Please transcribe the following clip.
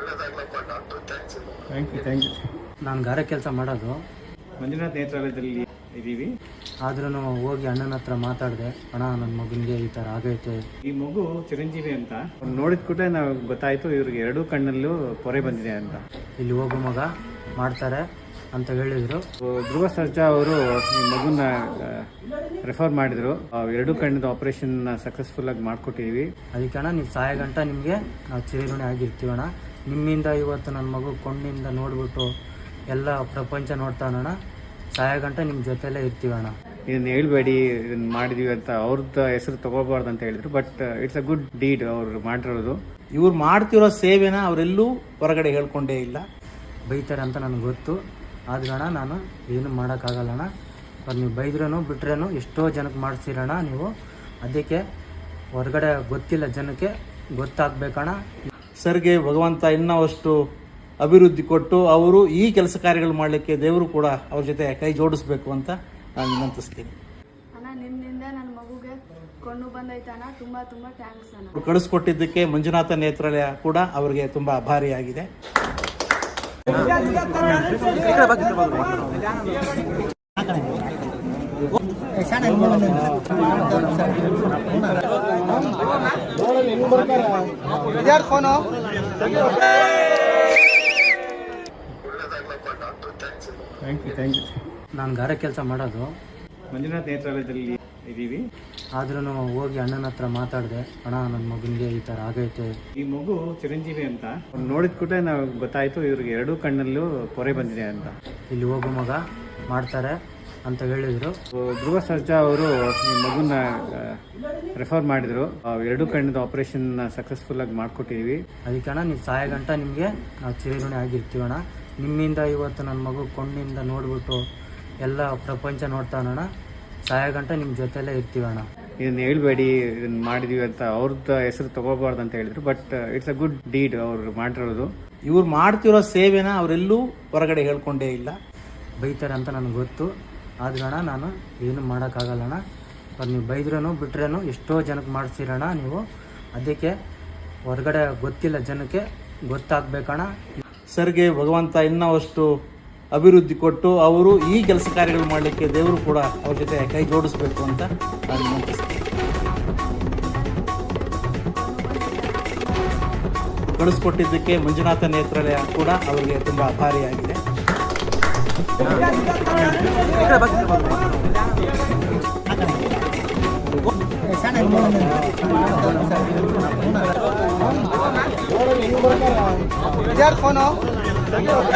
Thank you. ನಾನು ಗಾರೆ ಕೆಲಸ ಮಾಡೋದು ಮಂಜುನಾಥ್ ನೇತ್ರಾಲಯದಲ್ಲಿ ಇದ್ದೀವಿ. ಆದ್ರೂ ಹೋಗಿ ಅಣ್ಣನ ಹತ್ರ ಮಾತಾಡಿದೆ, ಅಣ್ಣ ನನ್ನ ಮಗನಿಗೆ ಈ ಥರ ಆಗೈತೆ. ಈ ಮಗು ಚಿರಂಜೀವಿ ಅಂತ ನೋಡಿದ ಕೂಡಲೇ ನಾವು ಗೊತ್ತಾಯಿತು ಇವ್ರಿಗೆ ಎರಡೂ ಕಣ್ಣಲ್ಲೂ ಪೊರೆ ಬಂದಿದೆ ಅಂತ. ಇಲ್ಲಿ ಹೋಗೋ ಮಗ ಮಾಡ್ತಾರೆ ಅಂತ ಹೇಳಿದರು. ಧ್ರುವ ಸರ್ಜಾ ಅವರು ಈ ಮಗುನ ರೆಫರ್ ಮಾಡಿದರು. ಎರಡೂ ಕಣ್ಣಿನ ಆಪರೇಷನ್ ಸಕ್ಸಸ್ಫುಲ್ ಆಗಿ ಮಾಡಿಕೊಟ್ಟಿದ್ದೀವಿ. ಅದಕ್ಕೆ ಅಣ್ಣ ನೀವು ಸಾಯ ಗಂಟ ನಿಮಗೆ ನಾವು ಚಿರಋಣಿ ಆಗಿರ್ತೀವಣ್ಣ. ನಿಮ್ಮಿಂದ ಇವತ್ತು ನನ್ನ ಮಗು ಕಣ್ಣಿಂದ ನೋಡ್ಬಿಟ್ಟು ಎಲ್ಲ ಪ್ರಪಂಚ ನೋಡ್ತಾನಣ್ಣ. ಸಾಯ ಗಂಟ ನಿಮ್ಮ ಜೊತೆಲೇ ಇರ್ತೀವಣ್ಣ. ಇದನ್ನ ಹೇಳ್ಬೇಡಿ, ಇದನ್ನ ಮಾಡಿದೀವಿ ಅಂತ ಅವ್ರದ್ದು ಹೆಸರು ತಗೋಬಾರ್ದು ಅಂತ ಹೇಳಿದ್ರು. But it's a good deed ಅವ್ರು ಮಾಡಿರೋದು. ಇವ್ರು ಮಾಡ್ತಿರೋ ಸೇವೆನ ಅವರೆಲ್ಲೂ ಹೊರಗಡೆ ಹೇಳ್ಕೊಂಡೇ ಇಲ್ಲ. ಬೈತಾರೆ ಅಂತ ನನಗೆ ಗೊತ್ತು. ಆದ್ರಣ ನಾನು ಏನು ಮಾಡೋಕ್ಕಾಗಲ್ಲಣ್ಣ. ಅವ್ರು ನೀವು ಬೈದ್ರೂ ಬಿಟ್ರೇನು ಎಷ್ಟೋ ಜನಕ್ಕೆ ಮಾಡಿಸ್ತೀರಣ್ಣ ನೀವು. ಅದಕ್ಕೆ ಹೊರಗಡೆ ಗೊತ್ತಿಲ್ಲ ಜನಕ್ಕೆ ಗೊತ್ತಾಗಬೇಕಣ್ಣ. ಸರ್ಗೆ ಭಗವಂತ ಇನ್ನಷ್ಟು ಅಭಿವೃದ್ಧಿ ಕೊಟ್ಟು ಅವರು ಈ ಕೆಲಸ ಕಾರ್ಯಗಳು ಮಾಡಲಿಕ್ಕೆ ದೇವರು ಕೂಡ ಅವ್ರ ಜೊತೆ ಕೈ ಜೋಡಿಸ್ಬೇಕು ಅಂತ ನಾನು ವಿನಂತಿಸ್ತೀನಿ. ಅಣ್ಣ ನಿಮ್ಮಿಂದ ನನ್ನ ಮಗುಗೆ ಕೊಂಡು ಬಂದೈತಣ್ಣ. ತುಂಬ ತುಂಬ ಥ್ಯಾಂಕ್ಸ್ ಅಣ್ಣ. ಅವ್ರು ಕಳಿಸ್ಕೊಟ್ಟಿದ್ದಕ್ಕೆ ಮಂಜುನಾಥ ನೇತ್ರಾಲಯ ಕೂಡ ಅವರಿಗೆ ತುಂಬ ಆಭಾರಿಯಾಗಿದೆ. Thank you. ನಾನು ಗಾರೆ ಕೆಲಸ ಮಾಡೋದು ಮಂಜುನಾಥ್ ನೇತ್ರಾಲಯದಲ್ಲಿ ಇದ್ದೀವಿ. ಆದ್ರೂ ಹೋಗಿ ಅಣ್ಣನ ಹತ್ರ ಮಾತಾಡಿದೆ, ಅಣ್ಣ ನನ್ನ ಮಗನಿಗೆ ಈ ಥರ ಆಗೈತೆ. ಈ ಮಗು ಚಿರಂಜೀವಿ ಅಂತ ನೋಡಿದ ಕೂಡಲೇ ನಾವು ಗೊತ್ತಾಯಿತು ಇವ್ರಿಗೆ ಎರಡೂ ಕಣ್ಣಲ್ಲೂ ಪೊರೆ ಬಂದಿದೆ ಅಂತ. ಇಲ್ಲಿ ಹೋಗೋ ಮಗ ಮಾಡ್ತಾರೆ ಅಂತ ಹೇಳಿದರು. ಧ್ರುವ ಸರ್ಜಾ ಅವರು ಈ ಮಗುನ ರೆಫರ್ ಮಾಡಿದರು. ಎರಡೂ ಕಣ್ಣಿನ ಆಪರೇಷನ್ ಸಕ್ಸಸ್ಫುಲ್ ಆಗಿ ಮಾಡಿಕೊಟ್ಟಿದ್ದೀವಿ. ಅದಕ್ಕೆ ಅಣ್ಣ ನೀವು ಸಾಯ ಗಂಟ ನಿಮಗೆ ನಾವು ಚಿರಋಣಿ ಆಗಿರ್ತೀವಣ್ಣ. ನಿಮ್ಮಿಂದ ಇವತ್ತು ನನ್ನ ಮಗು ಕಣ್ಣಿಂದ ನೋಡ್ಬಿಟ್ಟು ಎಲ್ಲ ಪ್ರಪಂಚ ನೋಡ್ತಾನಣ್ಣ. ಸಾಯ ಗಂಟ ನಿಮ್ಮ ಜೊತೆಲೇ ಇರ್ತೀವಣ್ಣ. ಇದನ್ನ ಹೇಳ್ಬೇಡಿ, ಇದನ್ನ ಮಾಡಿದೀವಿ ಅಂತ ಅವ್ರದ್ದು ಹೆಸರು ತಗೋಬಾರ್ದು ಅಂತ ಹೇಳಿದ್ರು. But it's a good deed ಅವ್ರು ಮಾಡಿರೋದು. ಇವ್ರು ಮಾಡ್ತಿರೋ ಸೇವೆನ ಅವರೆಲ್ಲೂ ಹೊರಗಡೆ ಹೇಳ್ಕೊಂಡೇ ಇಲ್ಲ. ಬೈತಾರೆ ಅಂತ ನನಗೆ ಗೊತ್ತು. ಆದ್ರಣ ನಾನು ಏನು ಮಾಡೋಕ್ಕಾಗಲ್ಲಣ್ಣ. ಅವ್ರು ನೀವು ಬೈದ್ರೂ ಬಿಟ್ರೇನು ಎಷ್ಟೋ ಜನಕ್ಕೆ ಮಾಡಿಸ್ತೀರಣ್ಣ ನೀವು. ಅದಕ್ಕೆ ಹೊರಗಡೆ ಗೊತ್ತಿಲ್ಲ ಜನಕ್ಕೆ ಗೊತ್ತಾಗಬೇಕಣ್ಣ. ಸರ್ಗೆ ಭಗವಂತ ಇನ್ನಷ್ಟು ಅಭಿವೃದ್ಧಿ ಕೊಟ್ಟು ಅವರು ಈ ಕೆಲಸ ಕಾರ್ಯಗಳು ಮಾಡಲಿಕ್ಕೆ ದೇವರು ಕೂಡ ಅವ್ರ ಜೊತೆ ಕೈ ಜೋಡಿಸ್ಬೇಕು ಅಂತ ನಾನು ವಿನಂತಿಸ್ತೀನಿ. ಕಳಿಸ್ಕೊಟ್ಟಿದ್ದಕ್ಕೆ ಮಂಜುನಾಥ ನೇತ್ರಾಲಯ ಕೂಡ ಅವರಿಗೆ ತುಂಬ ಆಭಾರಿಯಾಗಿದೆ.